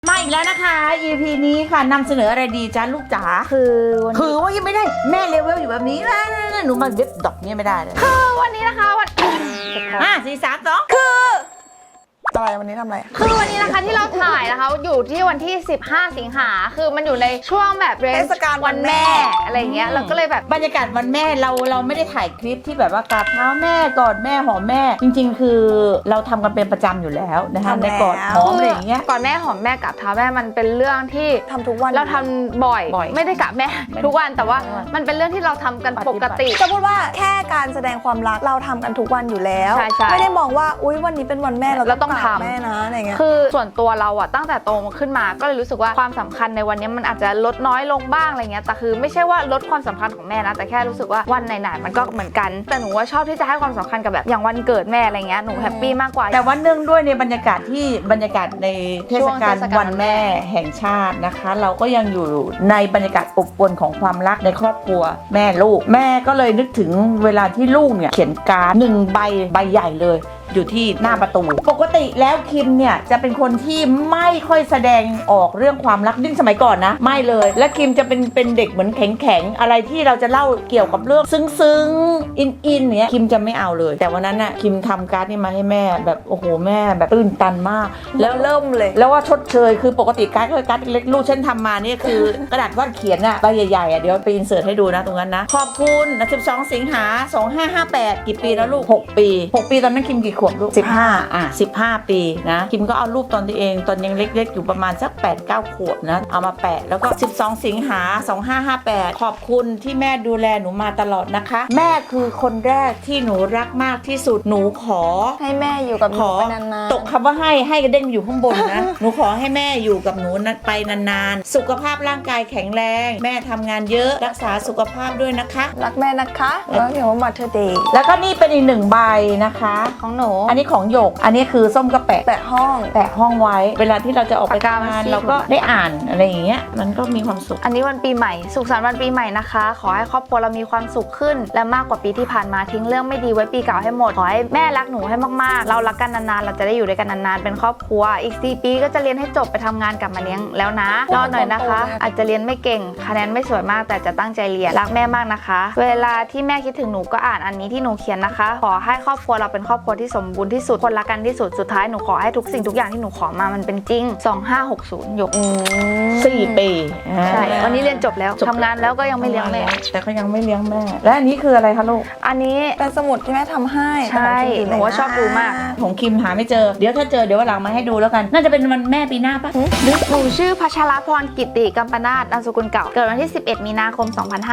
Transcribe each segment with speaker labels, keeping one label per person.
Speaker 1: มาอีกแล้วนะคะ EP นี้ค่ะนำเสนออะไรดีจ้าลูกจ๋าคือว่ายังไม่ได้แม่เลเวลอยู่แบบนี้นะหนูมาเว็บดอกเนี่ยไม่ได้เลย
Speaker 2: คือวันนี้นะคะ
Speaker 1: 4 3 2
Speaker 3: อะไรวันนี้ทำอะไร
Speaker 2: คือวันนี้นะคะที่เราถ่ายนะคะอยู่ที่วันที่15สิงหาคือมันอยู่ในช่วงแบบเทศกาลวันแม่อะไรเงี้ยเราก็เลยแบบ
Speaker 1: บรรยากาศวันแม่เราไม่ได้ถ่ายคลิปที่แบบว่ากราบเท้าแม่กอดแม่หอมแม่จริงๆคือเราทำกันเป็นประจำอยู่แล้วนะคะในกอดหอมอะไรอย่างเงี้ย
Speaker 2: ก่อนแม่หอมแม่กับเท้าแม่มันเป็นเรื่องที่
Speaker 3: ทำทุกวัน
Speaker 2: เราทำบ่อยไม่ได้กับแม่ทุกวันแต่ว่ามันเป็นเรื่องที่เราทำกันปกติ
Speaker 3: จะพูดว่าแค่การแสดงความรักเราทำกันทุกวันอยู่แล้วไม่ได้มองว่าอุ๊ยวันนี้เป็นวันแม่เราต้องทำแม่นะอะไรเงี้ย
Speaker 2: คือส่วนตัวเราอะตั้งแต่โตมาขึ้นมาก็เลยรู้สึกว่าความสำคัญในวันนี้มันอาจจะลดน้อยลงบ้างอะไรเงี้ยแต่คือไม่ใช่ว่าลดความสำคัญของแม่นะแต่แค่รู้สึกว่าวันไหนๆมันก็เหมือนกันแต่หนูว่าชอบที่จะให้ความสำคัญกับแบบอย่างวันเกิดแม่อะไรเงี้ยหนูแฮปปี้มากกว่า
Speaker 1: แต่วันเนื่องด้วยในบรรยากาศในเทศกาลวันแม่แห่งชาตินะคะเราก็ยังอยู่ในบรรยากาศอบอวลของความรักในครอบครัวแม่ลูกแม่ก็เลยนึกถึงเวลาที่ลูกเนี่ยเขียนการ์ด1 ใบใหญ่เลยอยู่ที่หน้าประตูปกติแล้วคิมเนี่ยจะเป็นคนที่ไม่ค่อยแสดงออกเรื่องความรักดิ้นสมัยก่อนนะไม่เลยและคิมจะเป็นเด็กเหมือนแข็งอะไรที่เราจะเล่าเกี่ยวกับเรื่องซึ้งอินเนี่ยคิมจะไม่เอาเลยแต่วันนั้นน่ะคิมทำการ์ดนี่มาให้แม่แบบโอ้โหแม่แบบตื้นตันมาก
Speaker 3: แล้วเริ่มเลย
Speaker 1: แล้วว่าชดเชยคือปกติการ์ดเล็กลูกฉันทำมานี่คือกระดาษวาดเขียนอะใบใหญ่ๆอะเดี๋ยวไปอินเสิร์ตให้ดูนะตรงนั้นนะขอบคุณ12 สิงหา 2558กี่ปีแล้วลูก6 ปีตอนนั้นคิมกี่ขวบลูก15 ปีนะคิมก็เอารูปตอนตัวเองตอนยังเล็กๆอยู่ประมาณสัก 8-9 ขวบนะเอามาแปะแล้วก็12 สิงหา 2558ขอบคุณที่แม่ดูแลหนูมาตลอดนะคะแม่คือคนแรกที่หนูรักมากที่สุดหนูขอ
Speaker 3: ให้แม่อยู่กับหนูไปนาน
Speaker 1: ๆตกคำว่าให้กระเด้งอยู่ข้างบนนะ หนูขอให้แม่อยู่กับหนูไปนานๆสุขภาพร่างกายแข็งแรงแม่ทำงานเยอะรักษาสุขภาพด้วยนะคะ
Speaker 3: รักแม่นะคะแล้วเดี๋ยวว่าMother Day
Speaker 1: แล้วก็นี่เป็นอีก1 ใบนะคะ
Speaker 2: ของหนู
Speaker 1: อันนี้ของหยกอันนี้คือส้มก็แปะห้องไว้เวลาที่เราจะออกไปทำงานเราก็ได้อ่านอะไรอย่างเงี้ยมันก็มีความสุข
Speaker 2: อันนี้วันปีใหม่สุขสันต์วันปีใหม่นะคะขอให้ครอบครัวเรามีความสุขขึ้นและมากกว่าปีที่ผ่านมาทิ้งเรื่องไม่ดีไว้ปีเก่าให้หมดขอให้แม่รักหนูให้มากๆเรารักกันนานๆเราจะได้อยู่ด้วยกันนานๆเป็นครอบครัวอีก4 ปีก็จะเรียนให้จบไปทำงานกลับมาเลี้ยงแล้วนะรอหน่อยนะคะอาจจะเรียนไม่เก่งคะแนนไม่สวยมากแต่จะตั้งใจเรียนรักแม่มากนะคะเวลาที่แม่คิดถึงหนูก็อ่านอันนี้ที่หนูเขียนนะคะขอให้ครอบครัวเราเป็นครอบครัวที่สมบูรณ์ที่สุดคนรักกันที่สุดสุดท้ายหนูขอให้ทุกสิ่งทุกอย่างที่หนูขอมามันเป็นจริง2560หยก
Speaker 1: 4 ปี
Speaker 2: ใช่วันนี้เรียนจบแล้วทำงานแล้วก็ยังไม่เลี้ยงแม่
Speaker 1: แต่ก็ยังไม่เลี้ยงแม่และอันนี้คืออะไรคะลูก
Speaker 2: อันนี้
Speaker 3: เป็นสมุดที่แม่ทำให้
Speaker 2: ใช่หนูว่าชอบดูมาก
Speaker 1: ของคิมหาไม่เจอเดี๋ยวถ้าเจอเดี๋ยววันหลังมาให้ดูแล้วกันน่าจะเป็นวันแม่ปีหน้าปะ
Speaker 2: หนูชื่อพัชรพรกิติกัมปนาถนามสกุลเก่าเกิดวันที่11 มีนาคม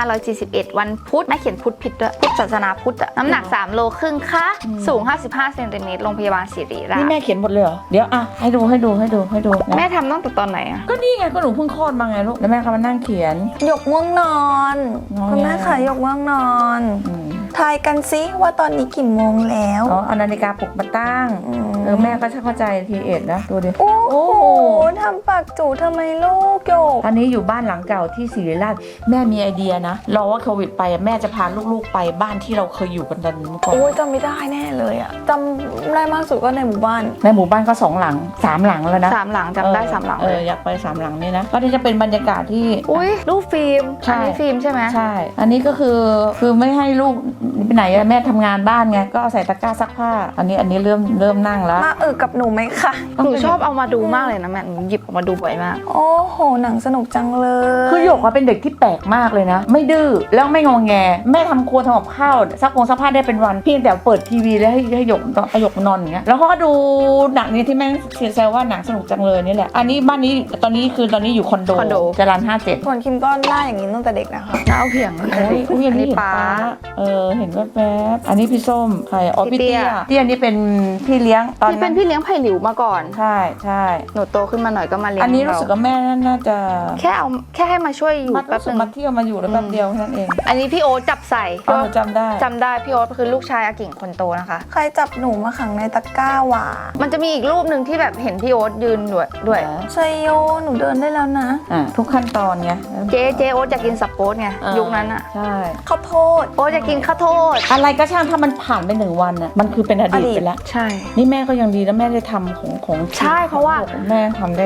Speaker 2: 2541วันพุธแม่เขียนพุธผิดด้วยพุทธศาสนาพุทธน้ำหนัก3 โลครึ่งค่ะสูง55 เซนติเมตรโรงพยาบาลศิริราช
Speaker 1: นี่แม่เขียนหมดเลยเหรอเดี๋ยวอ่ะให้ดู
Speaker 2: แม่ทำตั้งแต่ตอนไหนอ่ะ
Speaker 1: ก็นี่ไงก็หนูเพิ่งคลอดมาไงลูกแล้วแม่ก็มานั่งเขียน
Speaker 3: หยกง่วงนอนคุณแม่ค่ะหยกง่วงนอนทายกันซิว่าตอนนี้กี่โมงแล้ว
Speaker 1: เอานาฬิกาปลุกมาตั้งแม่ก็ช่างเข้าใจทีเอ็ดนะดูดิ
Speaker 3: โอ้โหทำปากจู่ทำไมลูกหยก
Speaker 1: ตอนนี้อยู่บ้านหลังเก่าที่ศิริราชแม่มีไอเดียนะรอว่าโควิดไปแม่จะพาลูกๆไปบ้านที่เราเคยอยู่กันตอนนี้ก่อน
Speaker 3: โอ้ยจำไม่ได้แน่เลยอ่ะจำได้มากสุดก็ในหมู่บ้าน
Speaker 1: ก็2 หลัง 3 หลังแล้วนะ
Speaker 2: 3 หลังจำได้3 หลัง
Speaker 1: อยากไป3 หลังนี่นะก็ที่จะเป็นบรรยากาศที่
Speaker 2: อุ้ยรูปฟิล์มอันนี้ฟิล์มใช่ไหม
Speaker 1: ใช่อันนี้ก็คือไม่ให้ลูกไปไหนแม่ทำงานบ้านไงก็เอาใส่ตะกร้าซักผ้าอันนี้เริ่มนั่งแล้ว
Speaker 3: มากับหนูไหมคะ
Speaker 2: หนูชอบเอามาดูมากเลยนะแม่หนูหยิบออกมาดูบ่อยมาก
Speaker 3: โอ้โหหนังสนุกจังเลย
Speaker 1: คือหยกเป็นเด็กที่แปลกมากเลยนะไม่ดื้อแล้วไม่งอแงแม่ทำครัวทำกับข้าวซักผ้าได้เป็นวันเพียงแต่เปิดทีวีแล้วให้หยกนอนอย่างเงี้ยแล้วเขาก็ดูหนังนี้ที่แม่เสียใจว่าหนังสนุกจังเลยนี่แหละอันนี้บ้านนี้ตอนนี้อยู่คอนโดจรัญ57
Speaker 3: ส่วนคิมก็หน้าอย่างนี้ตั้งแต่เด็กนะคะ
Speaker 2: หน้าเพียง
Speaker 1: อุ้ยอันนี้ป้าเห็นแวบอันนี้พี่ส้มใครอ๋อพี่เตี้ยนี่เป็นพี่เลี้ยง
Speaker 2: ตอนเป็นพี่เลี้ยงไผ่หลิวมาก่อน
Speaker 1: ใช่
Speaker 2: หนูโตขึ้นมาหน่อยก็มาเลี้ยง
Speaker 1: อันนี้รู้สึกว่าแม่น่าจะ
Speaker 2: แค่ให้มาช่วยอยู่
Speaker 1: แป๊บนึงมาเที่ยวมาอยู่แล้วแป๊บเดียวแค่นั้นเอง
Speaker 2: อันนี้พี่โอ๊ตจับใส่
Speaker 1: จำ
Speaker 2: ได้พี่โอ๊ตคือลูกชายอากิ่งคนโตนะคะ
Speaker 3: ใครจับหนูมาขังในตะกร้าว่ะ
Speaker 2: มันจะมีอีกรูปหนึ่งที่แบบเห็นพี่โอ๊ตยืนด้วย
Speaker 3: ชัยโยหนูเดินได้แล้วนะ
Speaker 1: ทุกขั้นตอนไง
Speaker 2: เจ๊โอ๊ตอยากกินสับโป๊ดไงยุคนั้นอ่ะ
Speaker 1: ใช่
Speaker 3: ข้าวโพด
Speaker 2: โอ๊ตอยากกินข้าวโพด
Speaker 1: อะไรก็ช่างถ้ามันผ่านไป1 วันน่ะมันคือเป็นอดีตไปแล้ว
Speaker 2: ใช่
Speaker 1: นี่แม่ก็ยังดีแล้วแม่ได้ทำของ
Speaker 2: ใช่เพราะว่า
Speaker 1: แม่ทำได้แล้ว
Speaker 2: เพราะถ้า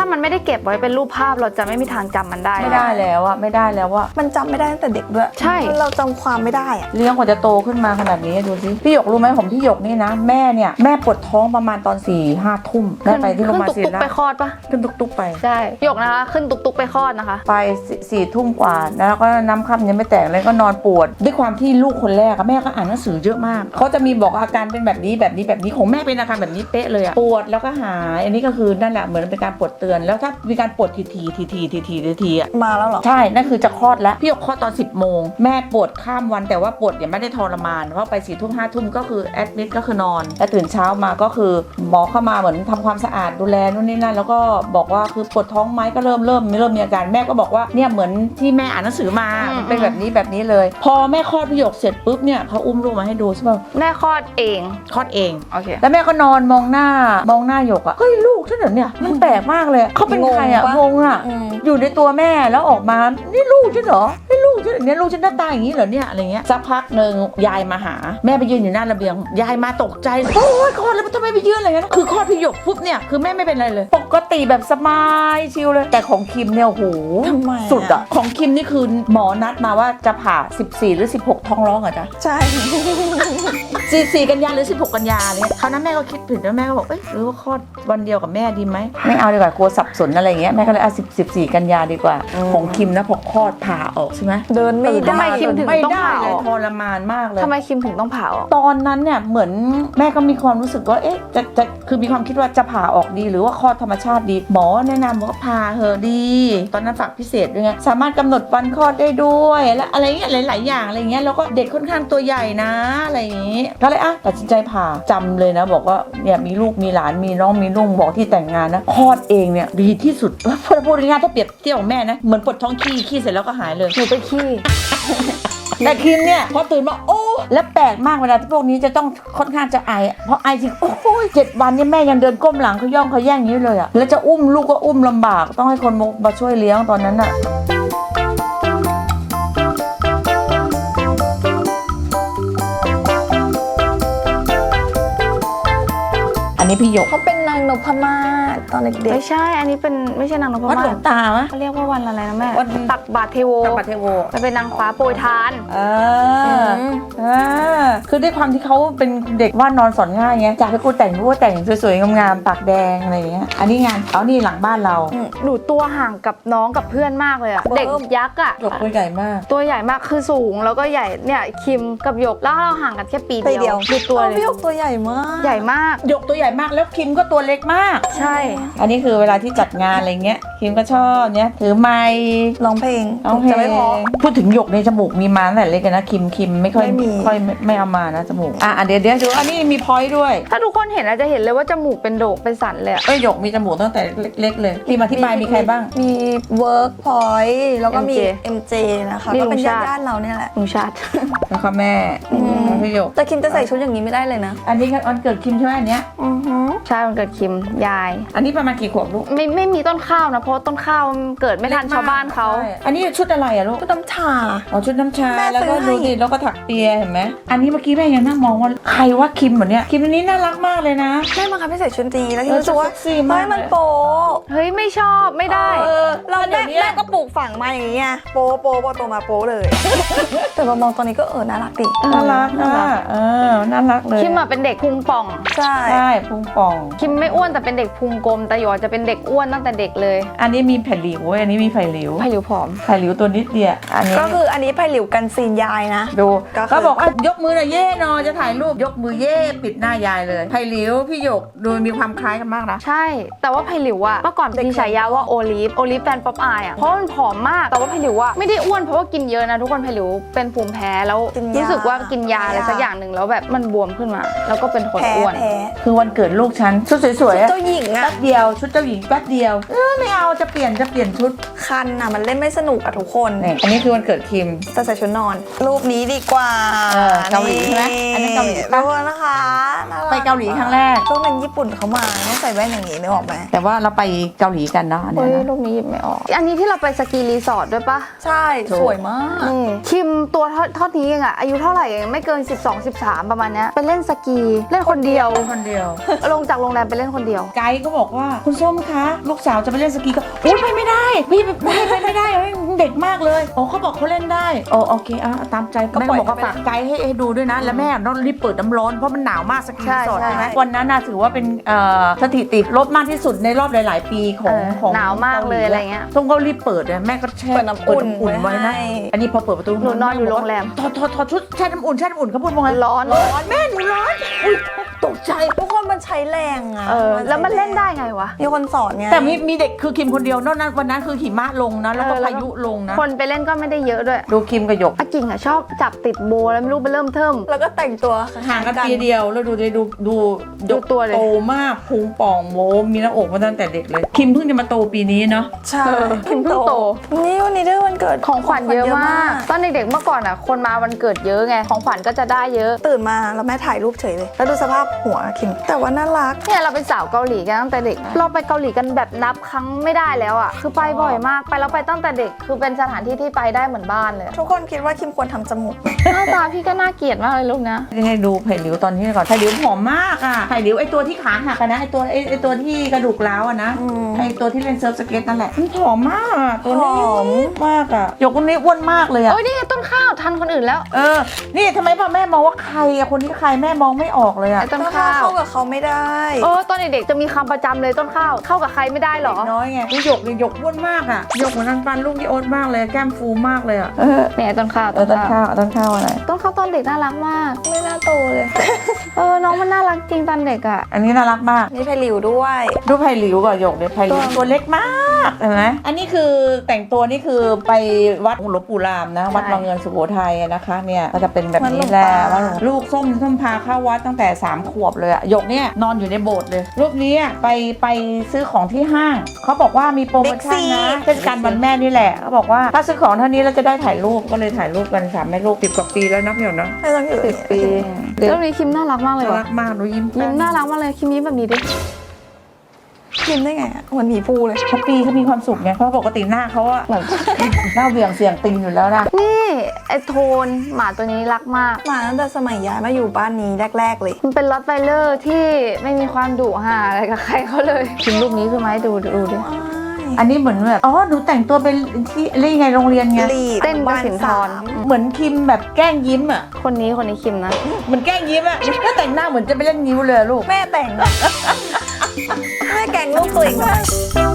Speaker 2: ามันไม่ได้เก็บไว้เป็นรูปภาพเราจะไม่มีทางจำมันได้
Speaker 1: ไม่ได้แล้วอะไม่ได้แล้วอะ
Speaker 3: มันจำไม่ได้ตั้งแต่เด็กด้วย
Speaker 2: ใช่
Speaker 3: เราจำความไม่ได้อะ
Speaker 1: เลี้ยงกว่าจะโตขึ้นมาขนาดนี้ดูสิพี่หยกรู้ไหมผมพี่หยกนี่นะแม่เนี่ยแม่ปวดท้องประมาณตอน4-5 ทุ่มแม่ไปที่โรงพยาบาลศิ
Speaker 2: ขึ้น
Speaker 1: ริ
Speaker 2: ตุกๆ
Speaker 1: รา
Speaker 2: ไป
Speaker 1: ช
Speaker 2: คลอดปะ
Speaker 1: ขึ้นตุกๆไป
Speaker 2: ใช่หยกนะคะขึ้นตุกๆไปคลอดนะคะ
Speaker 1: ไป4 ทุ่มกว่าแล้วก็น้ำค่ำยังไม่แตกเลยก็นอนปวดด้วยความที่ลูกคนแรกอะแม่ก็อ่านหนังสือเยอะมากเขาจะมีบอกอาการเป็นแบบนี้ของแม่เป็นอาการแบบนี้เป๊ะเลยอะปวดแล้วก็หายอันนี้ก็คือนั่นแหละเหมือนเป็นการปวดเตือนแล้วถ้ามีการปวดทีอะ
Speaker 3: มาแล้วเหรอ
Speaker 1: ใช่นั่นคือจะคลอดแล้วพี่หยกคลอดตอน10 โมงแม่ปวดข้ามวันแต่ว่าปวดยังไม่ได้ทรมานเพราะไป4 ทุ่ม5 ทุ่มก็คือแอดมิดก็คือนอนแล้วตื่นเช้ามาก็คือหมอเข้ามาเหมือนทำความสะอาดดูแลนู่นนี่นั่นแล้วก็บอกว่าคือปวดท้องไหมก็เริ่มมีอาการแม่ก็บอกว่าเนี่ยเหมือนที่แม่อ่านหนังสือมาเป็นแบบนี้เลย พอแม่คลอดพี่หยกเสร็จปุ๊บเนี่ยเขาอุ้มลูกมาให้ดูใช่ป่ะ
Speaker 2: แม่คลอดเอง
Speaker 1: คลอดเอง
Speaker 2: โอเค
Speaker 1: แล้วแม่ก็นอนมองหน้าหยกอะเฮ้ยลูกฉันเหรอเนี่ยมันแปลกมากเลยเขาเป็นใครอะงงอะ
Speaker 3: อืม
Speaker 1: อยู่ในตัวแม่แล้วออกมานี่ลูกฉันเหรอนี่ลูกฉันเนี่ยลูกฉันหน้าตาอย่างนี้เหรอเนี่ยอะไรเงี้ยสักพักหนึ่งยายมาหาแม่ไปยืนอยู่หน้าระเบียงยายมาตกใจโอ้ยคลอดแล้วทำไมไปยืนอะไรเงี้ยคือคลอดพี่หยกปุ๊บเนี่ยคือแม่ไม่เป็นไรเลยปกติแบบสบายชิลเลยแต่ของคิมเนี่ยโอ้โห
Speaker 3: ทำไมอะ
Speaker 1: สุดอะของคิมนี่คือหมอนัดมาว่าจะผ่า14 หรือ 16ท้องร้องเหรอจ๊ะ
Speaker 3: ใช่
Speaker 1: 14 กันยาหรือ16 กันยาเนี่ยคราวนั้นแม่ก็คิดผิดแล้วแม่ก็บอกเอ้ยหรือว่าคลอดวันเดียวกับแม่ดีไหมไม่เอาดีกว่ากลัวสับสนอะไรเงี้ยแม่ก็เลยเอา14 กันยาดีกว่า ของคิมนะพอคลอดผ่าออกใช่ไหม
Speaker 3: เดินไม่ได้
Speaker 2: ทำไมคิมถึง
Speaker 1: ไม่
Speaker 2: ต้อง
Speaker 1: ได้
Speaker 2: ผ่าอ
Speaker 1: เลย
Speaker 2: อก
Speaker 1: ทรมานมากเลย
Speaker 2: ทำไมคิมถึงต้องผ่าออก
Speaker 1: ตอนนั้นเนี่ยเหมือนแม่ก็มีความรู้สึกว่าเอ๊ะจะคือมีความคิดว่าจะผ่าออกดีหรือว่าคลอดธรรมชาติดีหมอแนะนำว่าผ่าเหอะดี ตอนนั้นฝากพิเศษด้วยไงสามารถกำหนดวันคลอดได้ด้วยและอะไรเงี้ยหลายๆอย่างอะไรเงี้ยแล้วก็เด็กค่อนข้างตัวใหญ่นะอะไรอย่างงี้ก็เลยตัดสินใจผ่าจำเลยนะบอกว่าเนี่ยมีลูกมีหลานมีน้องมีลุงบอกที่แต่งงานนะคลอดเองเนี่ยดีที่สุดพูดง่ายๆถ้าเปรียบเทียบกับแม่นะเหมือนปวดท้องขี้เสร็จแล้วก็หายเลย
Speaker 2: หนูไปขี้
Speaker 1: แต่คิมเนี่ยพอตื่นมาโอ้และแปลกมากเวลาที่พวกนี้จะต้องค่อนข้างจะไอเพราะไอจริงโอ้ย7 วันเนี่ยแม่ยังเดินก้มหลังเขาย่องเขาแย่งอย่างนี้เลยอะแล้วจะอุ้มลูกก็อุ้มลำบากต้องให้คนมาช่วยเลี้ยงตอนนั้นอะอันนี้พี่หยก
Speaker 3: เขาเป็นนางนพมาศตอนเด็ก
Speaker 2: ไม่ใช่อันนี้เป็นไม่ใช่นางนพ
Speaker 1: วัด
Speaker 2: มา
Speaker 1: หลว
Speaker 2: ศ
Speaker 1: งตามะ
Speaker 2: เขาเรียกว่าวันอะไรนะแม่
Speaker 1: วัน
Speaker 2: ตักบาตรเทโว
Speaker 1: กับประเทโว
Speaker 2: มันเป็นนางฟ้าโปรยทาน
Speaker 1: คือด้วยความที่เขาเป็นเด็กว่านอนสอนง่ายไงจากที่กูแต่งกูก็แต่งสวยๆงามๆปากแดงอะไรอย่างเงี้ยอันนี้งานเอานี่หลังบ้านเรา
Speaker 2: หนูตัวห่างกับน้องกับเพื่อนมากเลยอะเด็กยักษ์อะ
Speaker 1: หยกตัวใหญ่มาก
Speaker 2: ตัวใหญ่มากคือสูงแล้วก็ใหญ่เนี่ยคิมกับหยกแล้วเราห่างกันแค่ปี
Speaker 3: ๆไป
Speaker 2: เดี
Speaker 3: เดี
Speaker 2: ย
Speaker 3: ยว ว
Speaker 2: ดูตัวเลย
Speaker 3: พี่หยกตัวใหญ่มาก
Speaker 2: ใหญ่มาก
Speaker 1: หยกตัวใหญ่มากแล้วคิมก็ตัวเล็กมาก
Speaker 2: ใช่
Speaker 1: อันนี้คือเวลาที่จัดงานอะไรเงี้ยคิมก็ชอบเนี่ยถือไมค์
Speaker 3: ร้องเพลง
Speaker 1: ร้องเพล
Speaker 3: จะไม่พอ
Speaker 1: งพูดถึงหยกในจมูกมีมาตั้งแต่เล็กเลยนะคิมไม่ค่อย
Speaker 3: ไม่มี
Speaker 1: ไม่เอามานะจมูกเดี๋ยวดูอันนี้มีพอยต์ด้วย
Speaker 2: ถ้าทุกคนเห็นอาจจะเห็นเลยว่าจมูกเป็นโดกเป็นสันเลยอะ
Speaker 1: หยกมีจมูกตั้งแต่เล็กๆเลยทีมอธิบายมีใครบ้าง
Speaker 3: มีเวิร์กพอยต์แล้วก็มี
Speaker 2: MJ
Speaker 3: MJ นะคะ
Speaker 2: มี
Speaker 3: ก็
Speaker 2: ลุง
Speaker 3: เป็น
Speaker 2: ชาติ
Speaker 3: ญาติๆเราเนี่ยแหละ
Speaker 2: ลุงชาติ
Speaker 1: แล้วก็แม่แล้วพี่หยก
Speaker 3: แต่คิมจะใส่ชุดอย่างนี้ไม่ได้เลยนะ
Speaker 1: อันนี้วันเกิดคิมใช่ไหมอันเนี้ย
Speaker 3: อือหือ
Speaker 2: ใช่มันเกิดคิมยาย
Speaker 1: อันนี้ประมาณกี่ขวบลูก
Speaker 2: ไม่มีต้นข้าวนะเพราะต้นข้าวมันเกิดไม่ทันชาวบ้านเขา
Speaker 1: ใช่อันนี้ชุดอะไรอะลูก
Speaker 3: ชุดน้ำชา
Speaker 1: อ๋อชุดน้ำชา
Speaker 3: แม่
Speaker 1: แล้วก็
Speaker 3: ซื้อให้
Speaker 1: ดูดิแล้วก็ถักเปียเห็นไหมอันนี้เมื่อกี้แม่ยังนั่งมองว่าใครว่าคิมเหมือนเนี้ยคิมอันนี้น่ารักมากเลยนะ
Speaker 3: แม่บังคับให้ใส่ชุดนี้แล้วคิมรู้สึกว่า
Speaker 1: เซ็กซี่มาก
Speaker 3: เฮ้ยมันโป๊ะ
Speaker 2: เฮ้ยไม่ชอบไม่ได้
Speaker 3: เรา
Speaker 1: เดี๋
Speaker 3: แม่
Speaker 1: ยวนี้
Speaker 3: แม่ก็ปลูกฝังมาอย่างนี้ไงโป๊ะโป๊ะพอโตมาโป๊ะเลย แต่พอมองตอนนี้ก็น่ารักดิ
Speaker 1: น่ารักน่ารักน่ารักเลย
Speaker 2: คิมอะเป็นเด็กพุงป่อง
Speaker 3: ใช่
Speaker 1: ใช่พุงป่อง
Speaker 2: คิมไม่อ้วนแต่เป็นเด็กพุงกลมแต่หยอดจะเป็นเด็กอ้วนตั้งแต่เด็กเลย
Speaker 1: อันนี้มีแผ่นหลิวอันนี้มีไผ่หลิว
Speaker 2: ไผ่หลิวผอม
Speaker 1: ไผ่หลิวตัวนิดเดียวอันนี้
Speaker 3: ก็คืออันนี้ไผ่หลิวกันซีนยายนะ
Speaker 1: ดู
Speaker 3: ก็คือ
Speaker 1: ก็บอกว่ายกมือหน่อยเย่นอจะถ่ายรูปยกมือเย่ปิดหน้ายายเลยไผ่หลิวพี่หยกดูมีความคล้ายกันมากนะ
Speaker 2: ใช่ แต่ว่าไผ่หลิวอะเมื่อก่อนมีฉายาว่าโอลิฟแฟนป๊อปอายอะเพราะมันผอมมาก แต่ว่าไผ่หลิวอะไม่ได้อ้วนเพราะว่ากินเยอะนะทุกคนไผ่หลิวเป็นภูมิแพ้แล้วรู้สึกว่ากินยาอะไรสักอย่างหนึ่งแล้วแบบมันบวมขึ้นมา แล้วก็เป็นคน
Speaker 3: แพ้
Speaker 2: อ้วน
Speaker 3: แพ้
Speaker 1: คือวันเกิดลูกฉันชุดสวยๆอะ
Speaker 3: เจ้าหญิงอะ
Speaker 1: แป๊บเดียวชุดเจ้าหญิงแป๊บเดียวไม่เอาจะเปลี่ยนชุด
Speaker 3: คันอ่ะมันเล่นไม่สนุกอะทุกคน
Speaker 1: นี่อันนี้คือวันเกิดคิม
Speaker 3: แต่ใส่ชุดนอน รูปนี้ดีกว่า
Speaker 1: เกาหลีใช่ไหมอันนี้เกาหลีปะ
Speaker 3: ดูนะคะน่รั
Speaker 1: ไปเกาหลีครั้งแรก
Speaker 3: ต้องเป็นญี่ปุ่นเขามาต้องใส่แว่นอย่างนี้นึกออกไหม
Speaker 1: แต่ว่าเราไปเกาหลีกันเนาะอัน
Speaker 2: เฮ้
Speaker 1: เนี้
Speaker 2: ย
Speaker 1: ยนะ
Speaker 2: รูปนี้หยิบไม่ออก อันนี้ที่เราไปสกีรีสอร์ทด้วยปะ
Speaker 3: ใช่สวยมาก
Speaker 2: นี่คิมตัวเท่านี้เองอะอายุเท่าไหร่เองไม่เกิน 12-13 ประมาณเนี้ยไปเล่นสกีเล่นคนเดียว
Speaker 1: คนเดียว
Speaker 2: ลงจากโรงแรมไปเล่นคนเดียว
Speaker 1: ไกด์ก็บอกว่าคุณส้มคะลูกสาวจะไปเล่นสกีก็อุ้ยไปไม่ได้พี่ไปไม่ได้เฮ้ยเด็กมากเลยโอ้เขาบอกเขาเล่นได้โอ้โอเคตามใจแม่บอกว่าฝากไกด์ให้ดูด้วยนะ แล้วแม่ต้องรีบเปิดน้ำร้อนเพราะมันหนาวมากสกีรีสอร์ท
Speaker 2: ใช่
Speaker 1: ใช่ไหมวันนั้นน่ะถือว่าเป็นสถิติลดมากที่สุดในรอบหลาย ๆ ปีของ
Speaker 2: หนาวมากเลยอะไรเงี้ย
Speaker 1: ส้มก็รีบเปิดเลยแม่ก็แช่
Speaker 3: เปิดน้ำอุ่น
Speaker 1: ไว้นะ
Speaker 3: ให้
Speaker 1: อันนี้พอเปิดประตู
Speaker 2: หนูนอนอยู่โรงแรม
Speaker 1: ถอดชุดแช่น้ำอุ่นเขาพูดว่าไง
Speaker 2: ร้อน
Speaker 1: แม่หนูร้อนอุ้ยตกใจ
Speaker 3: ทุกคนมันใช้แรงอะ
Speaker 2: แล้วมันเล่นได้ไงวะ
Speaker 3: มีคนสอนไง
Speaker 1: แต่มีเด็กคือคิมคนเดียวนอกนั้นวันนั้นคือหิมะลงนะแล้วก็พายุลงนะ
Speaker 2: คนไปเล่นก็ไม่ได้เยอะด้วย
Speaker 1: ดูคิมกับหยก
Speaker 2: อากิ่งอะชอบจับติดโบแล้วไม่รู้ไปเริ่มเทิม
Speaker 3: แล้วก็แต่งตัว
Speaker 1: ห่างกันปีเดียวแล้วดูหยก
Speaker 2: ตัวเลย
Speaker 1: โตมากพุงป่องโมมีหน้าอกมาตั้งแต่เด็กเลย คิมเพิ่งจะมาโตปีนี้เนาะ
Speaker 3: ใช่
Speaker 2: คิมเพิ่งโต
Speaker 3: นี่วันนี้ด้วยวันเกิด
Speaker 2: ของขวัญเยอะมาก ตอนเด็กๆเมื่อก่อนอะคนมาวันเกิดเยอะไง ของขวัญก็จะได้เยอะ
Speaker 3: ตื่นมาแล้วแม่ถ่ายรูปเฉยเลย แล้วดูสภาพหัวคิมแต่ว่าน่ารัก
Speaker 2: เนี่ยเราเป็นสาวเกาหลีกันตั้งแต่เด็ก เราไปเกาหลีกันแบบนับครั้งไม่ได้แล้วอะคือไปบ่อยมาก ไปแล้วไปตั้งแต่เด็ก คือเป็นสถานที่ที่ไปได้เหมือนบ้านเลย
Speaker 3: ทุกคนคิดว่าคิมควรทำจมูกไหม
Speaker 2: หน้าตาพี่ก็น่าเกลียดมากเลยลูกนะ
Speaker 1: ให้ดูไผ่หลิวตอนนี้ก่อนไผ่หลิวผอมมากอ่ะไผ่หลิวไอตัวที่ขาหักอะนะไอตัวที่กระดูกร้าวอะนะไอตัวที่เล่นเซิร์ฟสเก็ตนั่นแหละมันผอมมากอะตัวนี้ผอมมากอะหยกคนนี้อ้วนมากเลยอะ
Speaker 2: โอ้ยนี่ไงต้นข้าวทันคนอื่นแล้ว
Speaker 1: นี่ทำไมพ่อแม่มองว่าใครอะคนที่ใครแม่มองไม่ออกเลยอะ
Speaker 2: ไอ้ต้น
Speaker 3: ก็
Speaker 2: ข้าว
Speaker 3: เข้ากับเขาไม่ได้
Speaker 2: ตอนเด็กๆจะมีคำประจำเลยต้นข้าว เข้ากับใครไม่ได้หรอ
Speaker 1: น้อยไงหยกเลยหยกอ้วนมากอะหยกเหมือนนันปันลูกที่อ้วนมากเลยแก้มฟูมากเลยอะ
Speaker 2: เนี่ยต้นข้าว
Speaker 1: ต้นข้าวอะไร
Speaker 2: ต้นข้าวตอนเด็กน่ารักมาก
Speaker 3: ไม่น่าโตเลย
Speaker 2: น้องมันน่ารักจริงตอนเด็กอ่ะ
Speaker 1: อันนี้น่ารักมาก
Speaker 3: นี่ไพลิวด้วย
Speaker 1: ดูไผ่หลิวกับหยกเนี่ยไผ่หลิวตัวเล็กมากเห็นไหมอันนี้คือแต่งตัวนี่คือไปวัดหลวงปู่รามนะ วัดวังเงินสุโขทัยนะคะเนี่ยก็จะเป็นแบบนี้แหละว่าลูกส้มพาเข้าวัดตั้งแต่3 ขวบเลยอะหยกเนี่ยนอนอยู่ในโบสถ์เลยรูปนี้อะไปซื้อของที่ห้างเขาบอกว่ามีโปรโมชั่นนะเทศกาลวันแม่นี่แหละเขาบอกว่าถ้าซื้อของเท่านี้เราจะได้ถ่ายรูปก็เลยถ่ายรูปกัน3 แม่ลูก10 กว่าปีแล้วนับเดี๋ยวนะ
Speaker 3: ไม่ต้องอยู่
Speaker 2: 10 ปีแล้วนี้คิมน่ารักมากเลย
Speaker 1: น่า
Speaker 2: ว่ะ
Speaker 1: รักมากดูยิ้ม
Speaker 2: ยิ้มน่ารักมากเลยคิมยิ้มแบบนี้ดิ
Speaker 3: คิมได้ไงอะเหมือนหมีภูเลย
Speaker 1: แฮปปี้เขามีความสุขไงเพราะปกติหน้าเขาอะ
Speaker 2: เหมือน
Speaker 1: หน้าเบี่ยงเสียงติงอยู่แล้วนะ
Speaker 2: นี่ไอโทนหมาตัวนี้รักมาก
Speaker 3: มาตั้งแต่สมัยย้ายมาอยู่บ้านนี้แรกๆเลย
Speaker 2: มันเป็นรอตไวเลอร์ที่ไม่มีความดุห่าอะไรกับใครเขาเลยคิมรูปนี้คือไหมดูดิ
Speaker 1: อันนี้เหมือนแบบหนูแต่งตัวเป็นที่เรียกไงโรงเรียนไง
Speaker 3: ลีด
Speaker 2: เต้นกับสินทร
Speaker 1: เหมือนคิมแบบแกล้งยิ้มอ่ะ
Speaker 2: คนนี้คิมนะ
Speaker 1: เหมือนแกล้งยิ้มอ่ะถ้าแต่งหน้าเหมือนจะไปเล่นนิ้วเลยอะลูก
Speaker 3: แม่แต่ง แม่แกล้งลูกตัวเองทำไม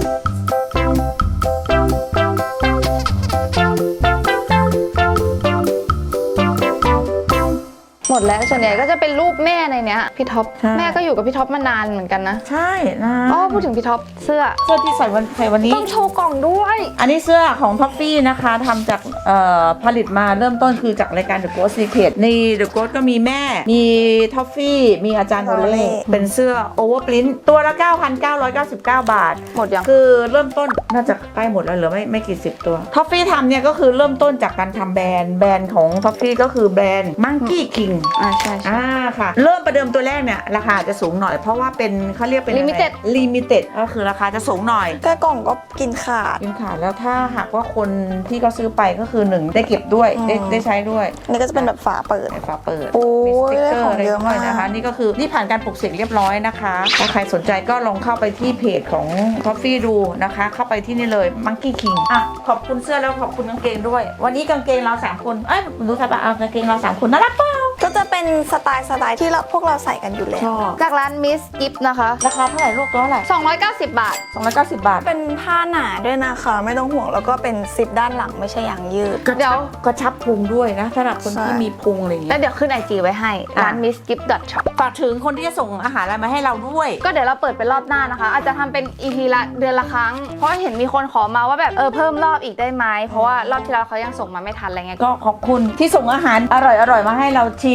Speaker 2: หมดแล้วส่วนใหญ่ก็จะเป็นรูปแม่ในเนี้ยพี่ท็อป
Speaker 1: ใช่
Speaker 2: แม่ก็อยู่กับพี่ท็อปมานานเหมือนกันนะ
Speaker 1: ใช่นะ
Speaker 2: พูดถึงพี่ท็อปเสื้อ
Speaker 1: เสื้อที่ใส่วันนี้
Speaker 2: ต้องโชว์กล่องด้วย
Speaker 1: อันนี้เสื้อของท็อฟฟี่นะคะทำจากผลิตมาเริ่มต้นคือจากรายการ The Ghost Secret ใน The Ghost ก็มีแม่มีท็อฟฟี่มีอาจารย์โอเล่เป็นเสื้อ Overprint ตัวละ 9,999 บาท
Speaker 2: หมดยัง
Speaker 1: คือเริ่มต้นน่าจะใกล้หมดแล้วเหลือไม่กี่สิบตัวท็อฟฟี่ทำเนี่ยก็คือเริ่มต้นจากการทำแบรนด์ของท็อฟฟี่ก็คือแบรนด์ Monkey King
Speaker 2: ใช่
Speaker 1: ค่ะเริ่มประเดิมตัวแรกเนี่ยราคาจะสูงหน่อยเพราะว่าเป็นเขาเรียกเป็น Limited ก็คือราคาจะสูงหน่อย
Speaker 3: แค่กล่องก็กินขาด
Speaker 1: กินขาดแล้วถ้าหากว่าคนที่เขาซื้อไปก็คือ1ได้เก็บด้วยได้ใช้ด้วย
Speaker 3: อันนี้ก็จะเป็นแบบฝาเปิด
Speaker 1: ฝาเปิด
Speaker 3: โอ้ย
Speaker 1: มีสติ๊กเกอร์อะไร
Speaker 3: ได้ของเยอะ
Speaker 1: ด้วย
Speaker 3: มาก
Speaker 1: นะคะนี่ก็คือนี่ผ่านการปลูกเสกเรียบร้อยนะคะถ้าใครสนใจก็ลองเข้าไปที่เพจของ Coffee ดูนะคะเข้าไปที่นี่เลย Monkey King ขอบคุณเสื้อแล้วขอบคุณกางเกงด้วย วันนี้กางเกงเรา3 คนรู้สึกว่ากางเกงเรา3 คนน่ารักเปล่า
Speaker 3: ก็จะเป็นสไตล์ที่พวกเราใส่กันอยู่แล้ว
Speaker 1: ชอบ
Speaker 2: จากร้านมิสกิฟนะคะ
Speaker 1: ราคาเท่าไหร่ลูกตัวเท่าไหร่
Speaker 2: 290 บาท
Speaker 1: 290 บาท
Speaker 3: เป็นผ้าหนาด้วยนะคะไม่ต้องห่วงแล้วก็เป็นซิปด้านหลังไม่ใช่ยางยืด
Speaker 2: เดี๋ยว
Speaker 1: กระชับพุงด้วยนะสำหรับคน
Speaker 3: ใช่
Speaker 1: ที่มีพุงอะไรอย่าง
Speaker 2: แล้
Speaker 1: เงี้
Speaker 2: วย เดี๋ยวขึ้น IG ไว้ให้ ร้าน
Speaker 1: อ่ะ
Speaker 2: missgift.shop
Speaker 1: ฝากถึงคนที่จะส่งอาหารอะไรมาให้เราด้วย
Speaker 2: ก็เดี๋ยวเราเปิดเป็นรอบหน้านะคะ อาจจะทำเป็น EP ละเดือนละครั้ง เพราะเห็นมีคนขอมาว่าแบบเพิ่มรอบอีกได้ไหมเพราะว่ารอบที่แล้วเขายังส่งมาไม่ทันอะไรเงี้ย
Speaker 1: ก็ขอบคุณที่ส่งอาหารอร่อยๆมาให้เราชิม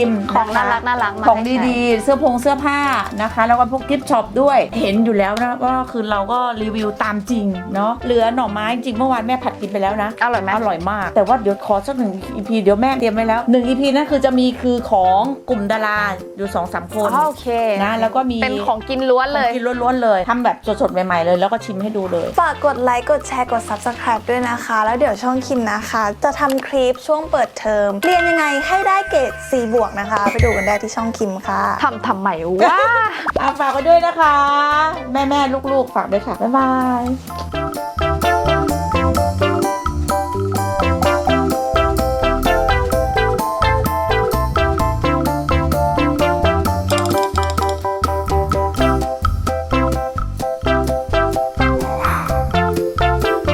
Speaker 1: ม
Speaker 2: ของน่า
Speaker 1: ะคะ
Speaker 2: รักน่ารักมา
Speaker 1: ของ
Speaker 2: ให้ใช้
Speaker 1: ดีๆ เสื้อผ้านะคะ แล้วก็พวกกิฟต์ช็อปด้วยเห็นอยู่แล้วนะว่าคือเราก็รีวิวตามจริงเนาะเหลือหน่อไม้จริงเมื่อวานแม่ผัดกินไปแล้วนะ
Speaker 2: อร่อยไหม
Speaker 1: อร่อยมาก แต่ว่าเดี๋ยวขอสัก1 EP เดี๋ยวแม่เตรียมไว้แล้ว1 EP นั่นคือจะมีคือของกลุ่มดาราอยู่ 2-3 คน
Speaker 2: อ๋อโอเค
Speaker 1: นะแล้วก็มี
Speaker 2: เป็นของกินล้วนเลย
Speaker 1: กินล้วนๆเลยทำแบบสดๆใหม่ๆเลยแล้วก็ชิมให้ดูเลย
Speaker 3: ฝากกดไลค์กดแชร์กด Subscribe ด้วยนะคะ แล้วเดี๋ยวช่องคิมนะคะ จะทำคลิปช่วงเปิดเทอมเรียนยังไงให้ได้เกรด C บวกนะคะ ไปดูกันได้ที่ช่องคิมค่ะ
Speaker 2: ทำใหม่ว่า
Speaker 1: ฝากไว้ด้วยนะคะ แม่ๆลูกๆฝากด้วยค่ะบ๊ายบาย